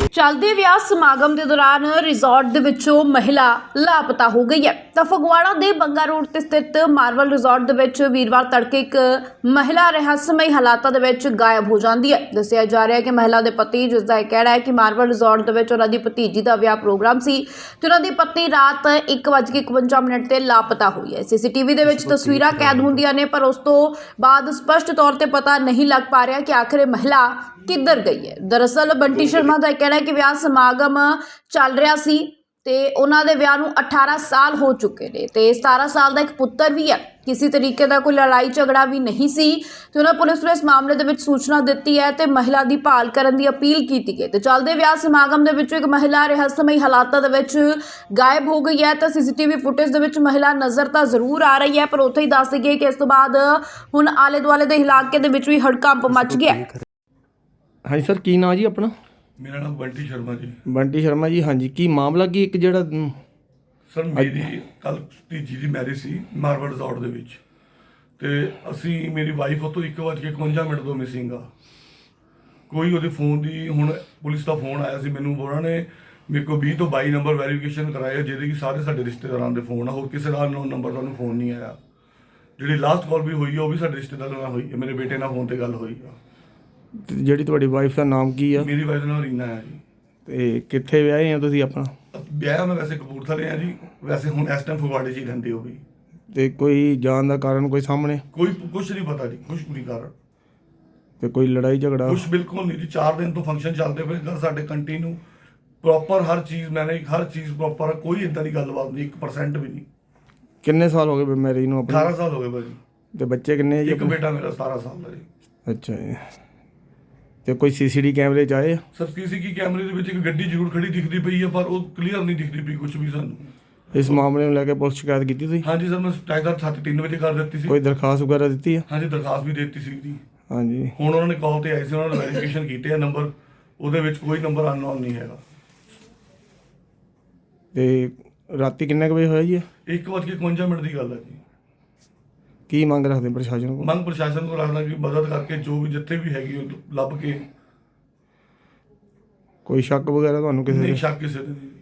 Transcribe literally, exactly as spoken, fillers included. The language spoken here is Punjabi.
चलते विआह समागम के दौरान रिजॉर्ट दे विचों महिला लापता हो गई है। तो फगवाड़ा के बंगा रोड ते स्थित मार्वल रिजॉर्ट दे विच वीरवार तड़के एक महिला रहस्यमई हालातां दे विच गायब हो जाती है। दस्सिया जा रहा है कि महिला के पति, जिसका यह कहना है कि मार्वल रिजॉर्ट दे विच उन्हां दी भतीजी का विआह प्रोग्राम सी ते उन्हां दी पत्नी रात एक बज के इकवंजा मिनट ते लापता हुई है। सीसीटीवी दे विच तस्वीरां कैद होंदियां ने, पर उस तो बाद स्पष्ट तौर पर पता नहीं लग पा रहा कि आखिर महिला किधर गई है। दरअसल बंटी शर्मा का कहना है कि विआह समागम चल रहा सी ते उन्हां दे विआह नूं अठारह साल हो चुके ने ते सतारह साल का एक पुत्र भी है। किसी तरीके का कोई लड़ाई झगड़ा भी नहीं सी ते उन्होंने पुलिस नूं इस मामले दे विच सूचना दी है ते महिला की भाल करन दी अपील की गई। ते चलदे विआह समागम दे विच एक महिला रहस्यमई हालातां दे विच गायब हो गई है। तो सीसीटीवी फुटेज दे विच महिला नज़र तो जरूर आ रही है, पर उत्थे ही दस दईए कि इस तो बाद हुण आले दुआले दे इलाके दे विच भी हड़कंप मच गया। हाँ जी सर, की नाम जी अपना? मेरा नाम बंटी शर्मा जी। बंटी शर्मा जी, हाँ जी, की मामला की एक ਜਿਹੜਾ ਸਰ ਮੇਰੀ ਕੱਲ ਭਤੀਜੀ ਦੀ ਮੈਰਿਜ ਸੀ ਮਾਰਵਲ ਰਿਜ਼ੋਰਟ ਦੇ ਵਿੱਚ, ਤੇ ਅਸੀਂ ਮੇਰੀ ਵਾਈਫ ਉਹ ਤੋਂ ਇੱਕ ਵੱਜ ਕੇ ਇਕਵੰਜਾ ਮਿੰਟ ਤੋਂ ਮਿਸਿੰਗ ਆ। ਕੋਈ ਉਹਦੇ ਫੋਨ ਦੀ, ਹੁਣ ਪੁਲਿਸ ਦਾ ਫੋਨ ਆਇਆ ਸੀ ਮੈਨੂੰ, ਉਹਨਾਂ ਨੇ ਮੇਰੇ ਕੋਲ ਵੀਹ ਤੋਂ ਬਾਈ ਨੰਬਰ ਵੈਰੀਫਿਕੇਸ਼ਨ ਕਰਾਇਆ, ਜਿਹਦੇ ਕਿ ਸਾਰੇ ਸਾਡੇ ਰਿਸ਼ਤੇਦਾਰਾਂ ਦੇ ਫੋਨ ਆ, ਹੋਰ ਕਿਸੇ ਦਾ ਅਨਨੋਨ ਨੰਬਰ ਤੁਹਾਨੂੰ ਫੋਨ ਨਹੀਂ ਆਇਆ। ਜਿਹੜੀ ਲਾਸਟ ਕਾਲ ਵੀ ਹੋਈ ਆ ਉਹ ਵੀ ਸਾਡੇ ਰਿਸ਼ਤੇਦਾਰਾਂ ਨਾਲ ਹੋਈ ਹੈ, ਮੇਰੇ ਬੇਟੇ ਨਾਲ ਫੋਨ ਤੇ ਗੱਲ ਹੋਈ ਆ। ਜਿਹੜੀ ਤੁਹਾਡੀ ਵਾਈਫ ਦਾ ਨਾਮ ਕੀ ਆ? ਮੇਰੀ ਵਾਈਫ ਦਾ ਨਾਮ ਰੀਨਾ ਹੈ ਜੀ। ਤੇ ਕਿੱਥੇ ਵਿਆਹੇ ਆ ਤੁਸੀਂ ਆਪਣਾ? ਵਿਆਹ ਮੈਂ ਵੈਸੇ ਕਪੂਰਥਲੇ ਆ ਜੀ, ਵੈਸੇ ਹੁਣ ਇਸ ਟਾਈਮ ਫਗਵਾੜੇ 'ਚ ਹੀ ਰਹਿੰਦੇ ਹੋ ਵੀ। ਤੇ ਕੋਈ ਜਾਣ ਦਾ ਕਾਰਨ ਕੋਈ ਸਾਹਮਣੇ? ਕੋਈ ਕੁਛ ਨਹੀਂ ਪਤਾ ਜੀ, ਕੁਛ ਨਹੀਂ ਕਾਰਨ। ਤੇ ਕੋਈ ਲੜਾਈ ਝਗੜਾ? ਕੁਛ ਬਿਲਕੁਲ ਨਹੀਂ ਜੀ। ਚਾਰ ਦਿਨ ਤੋਂ ਫੰਕਸ਼ਨ ਚੱਲਦੇ ਪਏ ਘਰ ਸਾਡੇ ਕੰਟੀਨਿਊ, ਪ੍ਰੋਪਰ ਹਰ ਚੀਜ਼ ਮੈਨੇ ਹਰ ਚੀਜ਼ ਪ੍ਰੋਪਰ, ਕੋਈ ਇਦਾਂ ਦੀ ਗੱਲਬਾਤ ਨਹੀਂ, ਇੱਕ ਪਰਸੈਂਟ ਵੀ ਨਹੀਂ। ਕਿੰਨੇ ਸਾਲ ਹੋ ਗਏ ਮੈਰਿਜ ਨੂੰ ਆਪਣੀ? ਅਠਾਰਾਂ ਸਾਲ ਹੋ ਗਏ ਭਾਜੀ। ਤੇ ਬੱਚੇ ਕਿੰਨੇ ਆ ਜੀ? ਇੱਕ ਬੇਟਾ ਮੇਰਾ ਸਤਾਰਾਂ ਸਾਲ ਦਾ ਜੀ। ਅੱਛਾ ਜੀ। ਤੇ ਕੋਈ ਸੀਸੀਟੀ ਕੈਮਰੇ 'ਚ ਆਏ ਆ? ਸਰ ਸੀਸੀਟੀ ਕੈਮਰੇ ਦੇ ਵਿੱਚ ਇੱਕ ਗੱਡੀ ਜ਼ਰੂਰ ਖੜੀ ਦਿਖਦੀ ਪਈ ਹੈ, ਪਰ ਉਹ ਕਲੀਅਰ ਨਹੀਂ ਦਿਖਦੀ ਪਈ ਕੁਝ ਵੀ ਸਾਨੂੰ। ਇਸ ਮਾਮਲੇ ਨੂੰ ਲੈ ਕੇ ਪੁਲਿਸ ਸ਼ਿਕਾਇਤ ਕੀਤੀ ਤੁਸੀਂ? ਹਾਂਜੀ ਸਰ, ਮੈਂ ਟਾਈਗਰ ਸੱਤ ਤਿੰਨ ਵਜੇ ਕਰ ਦਿੱਤੀ ਸੀ। ਕੋਈ ਦਰਖਾਸਤ ਵਗੈਰਾ ਦਿੱਤੀ ਆ? ਹਾਂਜੀ ਦਰਖਾਸਤ ਵੀ ਦੇ ਦਿੱਤੀ ਸੀ ਜੀ। ਹਾਂਜੀ। ਹੁਣ ਉਹਨਾਂ ਨੇ ਕਾਲ ਤੇ ਆਏ ਸੀ, ਉਹਨਾਂ ਨੇ ਵੈਰੀਫਿਕੇਸ਼ਨ ਕੀਤੇ ਆ ਨੰਬਰ, ਉਹਦੇ ਵਿੱਚ ਕੋਈ ਨੰਬਰ ਅਨਨੋਨ ਨਹੀਂ ਹੈਗਾ। ਤੇ ਰਾਤੀ ਕਿੰਨੇ ਕੁ ਵਜੇ ਹੋਇਆ ਜੀ? ਇੱਕ ਵੱਜ ਕੇ ਇਕਵੰਜਾ ਮਿੰਟ ਦੀ ਗੱਲ ਹੈ ਜੀ। ਕੀ ਮੰਗ ਰੱਖਦੇ ਪ੍ਰਸ਼ਾਸਨ ਕੋਲ? ਮੰਗ ਪ੍ਰਸ਼ਾਸਨ ਕੋਲ ਰੱਖਦਾ ਕਿ ਮਦਦ ਕਰਕੇ ਜੋ ਵੀ ਜਿੱਥੇ ਵੀ ਹੈਗੀ ਉਹ ਲੱਭ ਕੇ। ਕੋਈ ਸ਼ੱਕ ਵਗੈਰਾ ਤੁਹਾਨੂੰ ਕਿਸੇ ਨਹੀਂ ਦੇ? ਸ਼ੱਕ ਕਿਸੇ ਦੇ ਨਹੀਂ।